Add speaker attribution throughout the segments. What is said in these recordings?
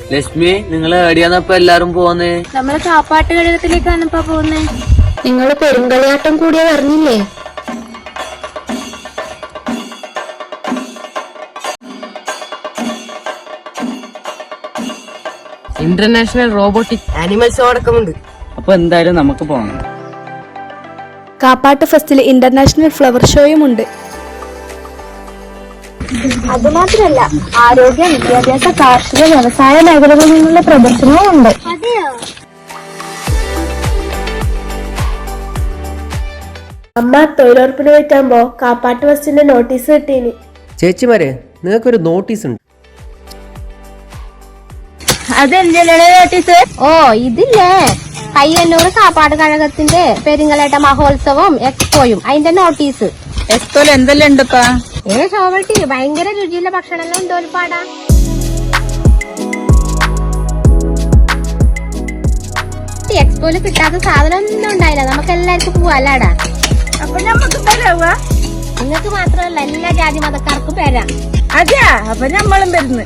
Speaker 1: ലക്ഷ്മി, നിങ്ങൾ എവിടെയാന്നപ്പോ എല്ലാരും പോന്നേ?
Speaker 2: നമ്മള് കാപ്പാട്ട് ഘടകത്തിലേക്കാണ് ഇപ്പൊ പോകുന്നേ.
Speaker 3: നിങ്ങൾ പെരുങ്കളിയാട്ടം കൂടിയ പറഞ്ഞില്ലേ?
Speaker 4: ഇന്റർനാഷണൽ റോബോട്ടിക് ആനിമൽ ഷോ അടക്കമുണ്ട്.
Speaker 1: അപ്പൊ എന്തായാലും നമുക്ക് പോകണം.
Speaker 5: കാപ്പാട്ട് ഫെസ്റ്റിൽ ഇന്റർനാഷണൽ ഫ്ലവർ ഷോയും ഉണ്ട്.
Speaker 2: അതുമാത്രമല്ല, ആരോഗ്യ, വിദ്യാഭ്യാസ, കാർഷിക, വ്യവസായ മേഖലകളിൽ നിന്നുള്ള പ്രദർശനവും ഉണ്ട്.
Speaker 5: അമ്മ തൊഴിലുറപ്പിന് പോയിട്ടാകുമ്പോ കാപ്പാട്ട് ഫെസ്റ്റിന്റെ നോട്ടീസ് കിട്ടീനി.
Speaker 4: ചേച്ചിമാരെ, നിങ്ങൾക്കൊരു നോട്ടീസ് ഉണ്ട്.
Speaker 2: അതെന്താണ് നോട്ടീസ്? ഓ, ഇതില്ലേ പയ്യന്നൂർ കാപ്പാട് കഴകത്തിന്റെ പെരിങ്ങളേട്ട മഹോത്സവം എക്സ്പോയും അതിന്റെ നോട്ടീസ്.
Speaker 6: എക്സ്പോയിൽ എന്തെല്ലാം ഉണ്ടപ്പാ?
Speaker 2: ഷോവട്ടി ഭയങ്കര രുചിയുള്ള ഭക്ഷണമെല്ലാം ഉണ്ടോ ഒരുപാടാ. എക്സ്പോയില് കിട്ടാത്ത സാധനം ഒന്നും ഉണ്ടായില്ല. നമുക്ക് എല്ലാവർക്കും പോവാല്ലാടാ.
Speaker 6: അപ്പൊ നമ്മക്ക് തരാവാ?
Speaker 2: നിങ്ങൾക്ക് മാത്രമല്ല എല്ലാ ജാതി മതക്കാർക്കും വരാം.
Speaker 6: അതെയാ? അപ്പൊ നമ്മളും വരുന്നു.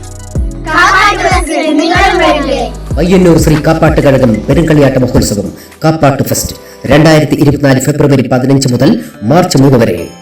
Speaker 7: പയ്യന്നൂർ ശ്രീ കാപ്പാട്ട് കഴകം പെരുങ്കളിയാട്ട മഹോത്സവം കാപ്പാട്ട് ഫെസ്റ്റ് 2024 ഫെബ്രുവരി 15 മുതൽ മാർച്ച് 3 വരെ.